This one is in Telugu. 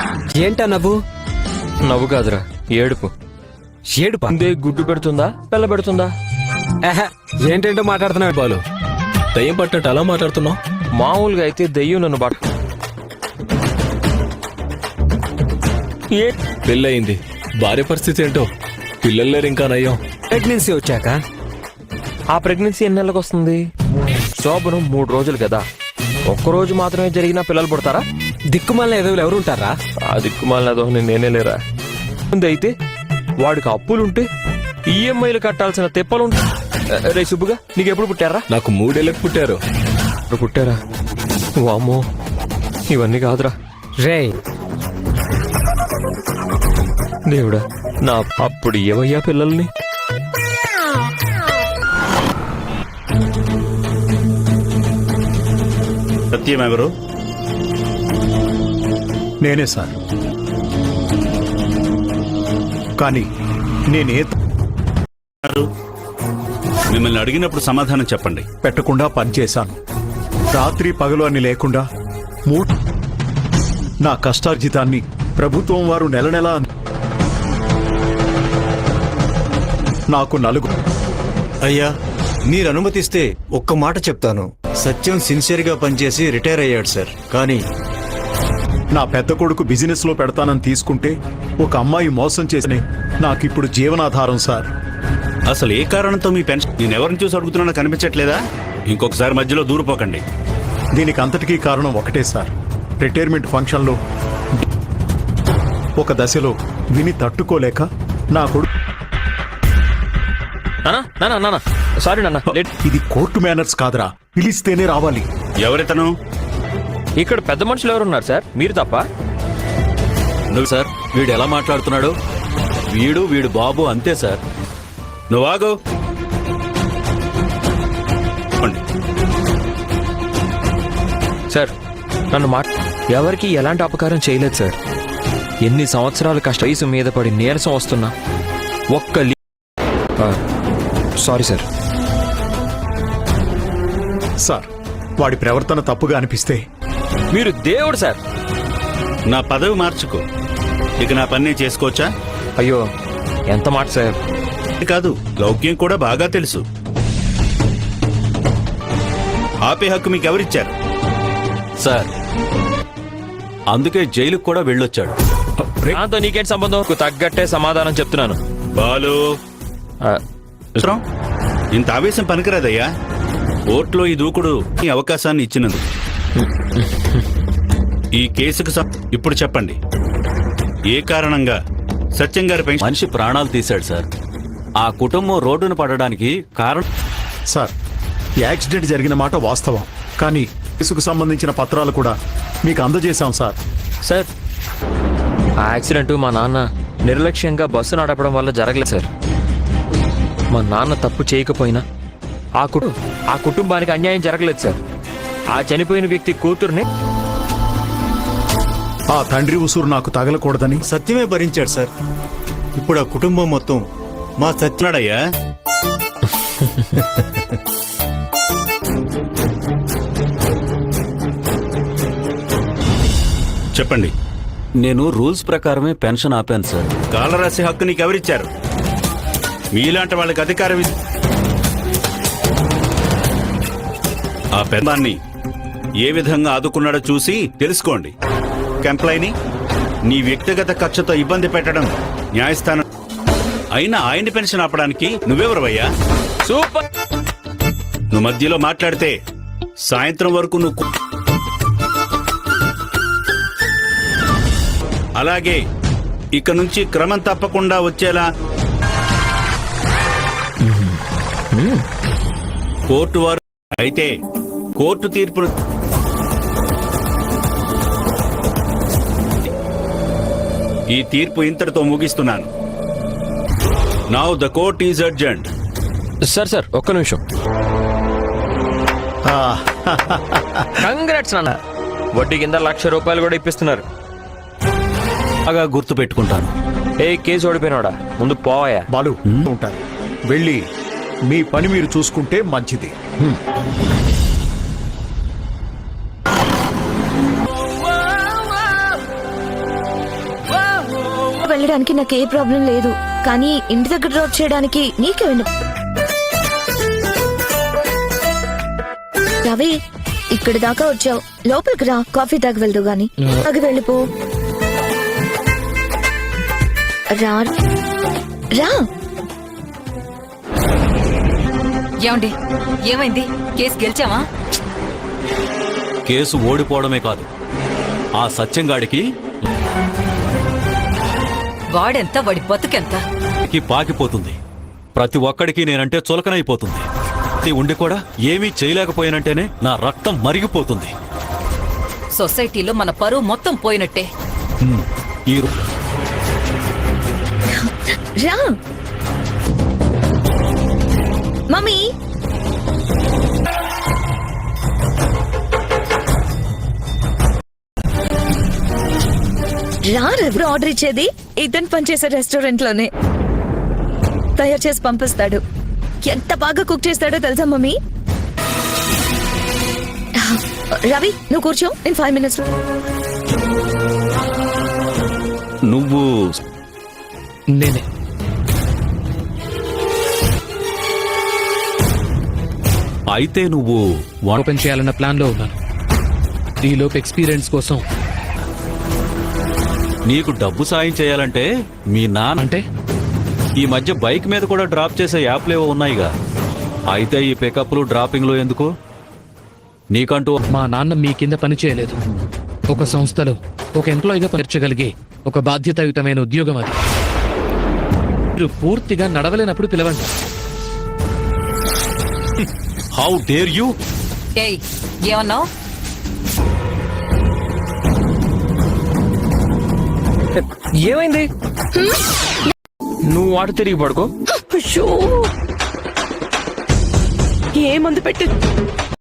ఏంటా నవ్వు? నవ్వు కాదురా, ఏడుపు. ఏడుపా? అందే గుడ్డు పెడుతుందా పిల్ల పెడుతుందా? ఏంటంటో మాట్లాడుతున్నావు బాలు. దయ్యం పట్టినట్టు అలా మాట్లాడుతున్నావు? మామూలుగా అయితే దెయ్యం నన్ను పెళ్ళయింది, భార్య పరిస్థితి ఏంటో, పిల్లలు లేరు ఇంకా నయ్యం. ప్రెగ్నెన్సీ వచ్చాక ఆ ప్రెగ్నెన్సీ ఎన్ని నెలలకు వస్తుంది? శోభనం 3 రోజులు కదా, ఒక్కరోజు మాత్రమే జరిగినా పిల్లలు పుడతారా? దిక్కుమాలిన ఎదవులు ఎవరు ఉంటారా? ఆ దిక్కుమాలినదో నేనే లేరా. అయితే వాడికి అప్పులుంటే ఈఎంఐలు కట్టాల్సిన తిప్పలుంటా. రే సుబ్బుగా, నీకెప్పుడు పుట్టారా? నాకు 3 ఏళ్ళకి పుట్టారు. పుట్టారా? వామ్మో, ఇవన్నీ కాదురా. రే దేవుడా, నా అప్పుడు ఏవయ్యా పిల్లల్ని? సత్యం ఎవరు? నేనే సార్. కానీ నేనే మిమ్మల్ని అడిగినప్పుడు సమాధానం చెప్పండి. పెట్టకుండా పనిచేశాను. రాత్రి పగలు అని లేకుండా నా కష్టార్జితాన్ని ప్రభుత్వం వారు నెల నెలా నాకు 4. అయ్యా, మీరు అనుమతిస్తే ఒక్క మాట చెప్తాను. సత్యం సిన్సియర్గా పనిచేసి రిటైర్ అయ్యాడు సార్. కానీ నా పెద్ద కొడుకు బిజినెస్ లో పెడతానని తీసుకుంటే ఒక అమ్మాయి మోసం చేసి నాకిప్పుడు జీవనాధారం సార్. అసలు ఏ కారణంతో మీ పెన్షన్ నేనెవరిని చూసి అడుగుతున్నా కనిపించట్లేదా? ఇంకొకసారి మధ్యలో దూరిపోకండి. దీనికి అంతటికీ కారణం ఒకటే సార్. రిటైర్మెంట్ ఫంక్షన్లో ఒక దశలో విని తట్టుకోలేక నా కొడుకు. సారీ నాన్న, ఇది కోర్టు మేనర్స్ కాదురా, పిలిస్తేనే రావాలి. ఎవరితను? ఇక్కడ పెద్ద మనుషులు ఎవరున్నారు సార్? మీరు తప్ప. నువ్వు సార్, వీడు ఎలా మాట్లాడుతున్నాడు? వీడు బాబు అంతే సార్. నువ్వు ఆగు. సార్, నన్ను ఎవరికి ఎలాంటి అపకారం చేయలేదు సార్. ఎన్ని సంవత్సరాల కష్ట వయసు మీద పడి నీరసం వస్తున్నా సారీ సార్. సార్, వాడి ప్రవర్తన తప్పుగా అనిపిస్తే మీరు దేవుడు సార్. నా పదవి మార్చుకో. ఇక నా పని చేసుకోవచ్చా? అయ్యో, ఎంత మాట సార్. కాదు, లౌక్యం కూడా బాగా తెలుసు. ఆపే హక్కు మీకు ఎవరిచ్చారు? సార్, అందుకే జైలుకు కూడా వెళ్ళొచ్చాడు. దాంతో నీకేంటి సంబంధం? తగ్గట్టే సమాధానం చెప్తున్నాను. బాలు, ఇంత ఆవేశం పనికిరాదయ్యా. కోర్టులో ఈ దూకుడు ఈ అవకాశాన్ని ఇచ్చినందు. ఈ కేసుకు ఇప్పుడు చెప్పండి, ఏ కారణంగా సత్యం గారి మనిషి ప్రాణాలు తీశాడు సార్. ఆ కుటుంబం రోడ్డున పడడానికి కారణం. సార్, యాక్సిడెంట్ జరిగిన మాట వాస్తవం. కానీ కేసుకు సంబంధించిన పత్రాలు కూడా మీకు అందజేశాం సార్. సార్, ఆ యాక్సిడెంట్ మా నాన్న నిర్లక్ష్యంగా బస్సు నడపడం వల్ల జరగలేదు సార్. మా నాన్న తప్పు చేయకపోయినా ఆ కుటుంబానికి అన్యాయం జరగలేదు సార్. ఆ చనిపోయిన వ్యక్తి కూతుర్ని ఆ తండ్రి ఉసురు నాకు తగలకూడదని సత్యమే భరించాడు సార్. ఇప్పుడు ఆ కుటుంబం మొత్తం మా సత్యనాడయ్యా. చెప్పండి. నేను రూల్స్ ప్రకారమే పెన్షన్ ఆపాను సార్. కాలరాశి హక్కు నీకు ఎవరిచ్చారు? మీలాంటి వాళ్ళకి అధికారం. ఆ పెద్దాన్ని ఏ విధంగా ఆదుకున్నాడో చూసి తెలుసుకోండి. కంప్లైని నీ వ్యక్తిగత ఖర్చుతో ఇబ్బంది పెట్టడం న్యాయస్థానం. అయినా ఆయన్ని పెన్షన్ ఆపడానికి నువ్వెవరవయ్యా? సూపర్. నువ్వు మధ్యలో మాట్లాడితే సాయంత్రం వరకు నువ్వు. అలాగే ఇక నుంచి క్రమం తప్పకుండా వచ్చేలా కోర్టు వారు అయితే కోర్టు తీర్పును ఈ తీర్పు ఇంతటితో ముగిస్తున్నాను. Now the court is urgent. Sir, ఒక్క నిమిషం. కంగ్రాట్స్ నాన్న, వడ్డీ కింద ₹1,00,000 కూడా ఇప్పిస్తున్నారు. బాగా గుర్తు పెట్టుకుంటాను. ఏ కేసు ఓడిపోయినాడా, ముందు పోవాయా. బాలు ఉంటారు. వెళ్ళి మీ పని మీరు చూసుకుంటే మంచిది. వెళ్ళడానికి నాకు ఏ ప్రాబ్లం లేదు, కానీ ఇంటి దగ్గర డ్రాప్ చేయడానికి నీకే వెళ్ళు. రవి, ఇక్కడి దాకా వచ్చావు, లోపలికి రా, కాఫీ తాగి వెళ్దు గాని. తాగి వెళ్ళిపో. రా రా. ఏమండి, ఏమైంది? కేసు గెలిచావా? కేసు ఓడిపోవడమే కాదు, ఆ సత్యంగాడికి వాడెంత, వాడి బతుకెంత? పాకిపోతుంది. ప్రతి ఒక్కడికి నేనంటే చులకనైపోతుంది. ఇది ఉండి కూడా ఏమీ చేయలేకపోయానంటేనే నా రక్తం మరిగిపోతుంది. సొసైటీలో మన పరువు మొత్తం పోయినట్టే. ఈ రా మమ్మీ. రా, ఎవరు ఆర్డర్ ఇచ్చేది? ఇతను పనిచేసే రెస్టారెంట్ లోనే తయారు చేసి పంపిస్తాడు. ఎంత బాగా కుక్ చేస్తాడో తెలుసా మమ్మీ? రవి, నువ్వు కూర్చో, నేను 5 minutes. నువ్వు నేనే. అయితే నువ్వు ఓపెన్ చేయాలన్న ప్లాన్ లో ఉన్నాను. ఈలోపు ఎక్స్పీరియన్స్ కోసం. నీకు డబ్బు సాయం చేయాలంటే మీ నాన్న అంటే ఈ మధ్య బైక్ మీద కూడా డ్రాప్ చేసే యాప్లేవో ఉన్నాయిగా. అయితే ఈ పికప్లు డ్రాపింగ్లు ఎందుకు? నీకంటూ మా నాన్న మీ కింద పని చేయలేదు. ఒక సంస్థలో ఒక ఎంప్లాయీగా పనిచేయగలిగే ఒక బాధ్యతాయుతమైన ఉద్యోగం అది. మీరు పూర్తిగా నడవలేనప్పుడు పిలవండి. How dare you? ఏయ్, ఏమన్నావు? ఏమైంది? నువ్వు వాడు తిరిగి పడుకో. అయ్యో, ఏ మందు పెట్టి